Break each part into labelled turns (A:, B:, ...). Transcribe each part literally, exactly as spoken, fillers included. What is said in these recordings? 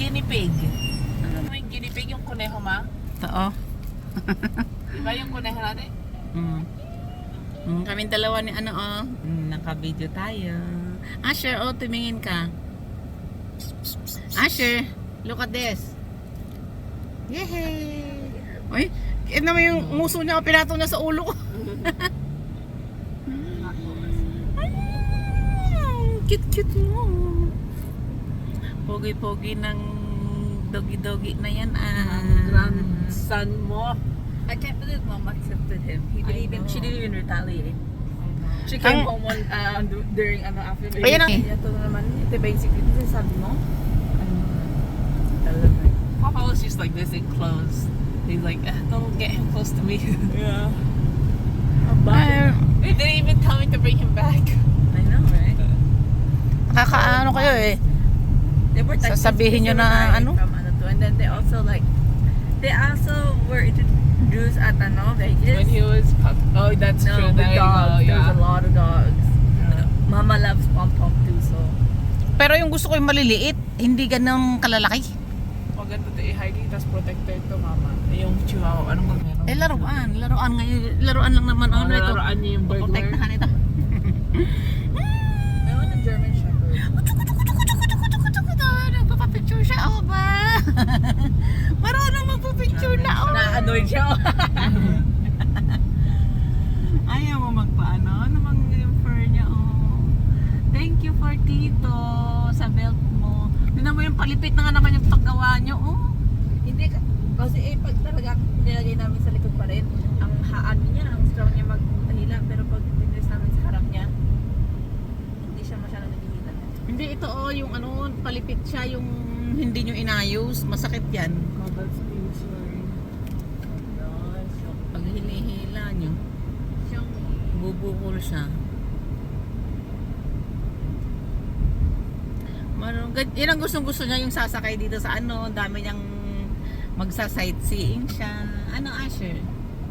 A: guinea pig. Ano yung guinea pig? Yung kuneho, ma?
B: Oo.
A: Diba yung kuneho natin?
B: Mm. Mm, kaming dalawa ni ano oh. Mm, naka-video tayo. Asher, oh, tumingin ka. Asher, look at this. Yehey! Uy, kaya naman yung nguso niya, pinato na sa ulo ko. Cute-cute mo. Pogi-pogi ng doggy-doggy na yan ah.
A: Grandson mo.
C: I can't believe mom accepted him. He didn't
A: I
C: even,
A: know.
C: she didn't even retaliate. She came
B: Ang-
C: home one, uh, du- during ano after baby.
B: Ayan ang-
C: Ito na naman, ito ba yung secret? Ito sabi mo? Talaga.
A: Papa was just like this in clothes. He's like, "Ah, don't get him close to me."
C: Yeah.
B: Ay,
A: They didn't even tell me to bring him back.
C: I know, right?
B: nakakaano kayo eh.
C: They were texting
B: Sasabihin nyo
C: Sister
B: na
C: Renee
B: ano?
C: From ano to. And then they also like, they also were introduced at ano, Vegas.
A: When he was pup. Oh, that's
C: No,
A: true.
C: with
A: There you
C: dogs.
A: go.
C: There's
A: Yeah.
C: a lot of dogs.
A: Yeah.
C: Mama loves Pom Pom too, so.
B: Pero yung gusto ko yung maliliit, hindi ganun kalalaki.
A: Maganda to i-hiding, tapos protector to, mama. Yung chihuahua, anong meron?
B: Eh laruan, laruan ngayon, laruan lang naman
A: Oh,
B: ano ito.
A: laruan niya yung burglar.
B: Protektahan ito.
C: I want a German Shepherd.
B: Nagpapapicture siya, oh ba? Marunong magpapicture na, oh.
C: Na-annoyed siya.
B: Ayaw mo magpaano, namang yung fur niya, oh. Thank you for Tito sa belt mo. Tignan mo yung palipit na nga naman yung paggawa niyo, oh.
C: Hindi ka, kasi eh, pag talaga nilagay namin sa likod pa rin, ang haan niya, ang strong niya maghila, pero pag pinres namin sa harap niya, hindi siya masyadong naghihila.
B: Hindi, ito, oh, yung ano, palipit siya, yung hindi nyo inayos, masakit yan.
A: Oh, that's insane.
B: Pag hinihila nyo,
C: Siyang,
B: bubukol siya. Marunong, gan- yan ang gustong gusto niya, yung sasakay dito sa ano, ang dami niyang magsa-sightseeing siya. Ano, Asher?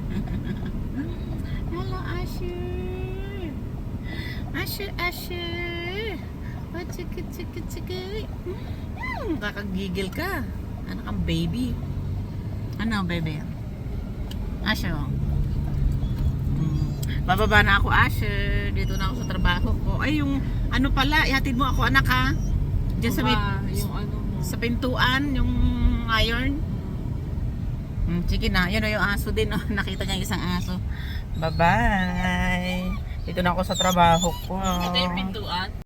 B: Hello, Asher! Asher, Asher! Oh, chiki, chiki, chiki! Hmm, kakagigil ka. Ano kang baby? Ano, baby? Asher, oh. Hmm. Bababa na ako, Asher. Dito na ako sa trabaho ko. Ay, yung ano pala, ihatid mo ako, anak, ha? Diyan sa, may,
A: Ma, yung ano mo.
B: sa pintuan, yung iron. Hmm, sige na, yun o yung aso din. Oh. Nakita niya yung isang aso. Bye-bye! Dito na ako sa trabaho ko.
A: Ito yung pintuan.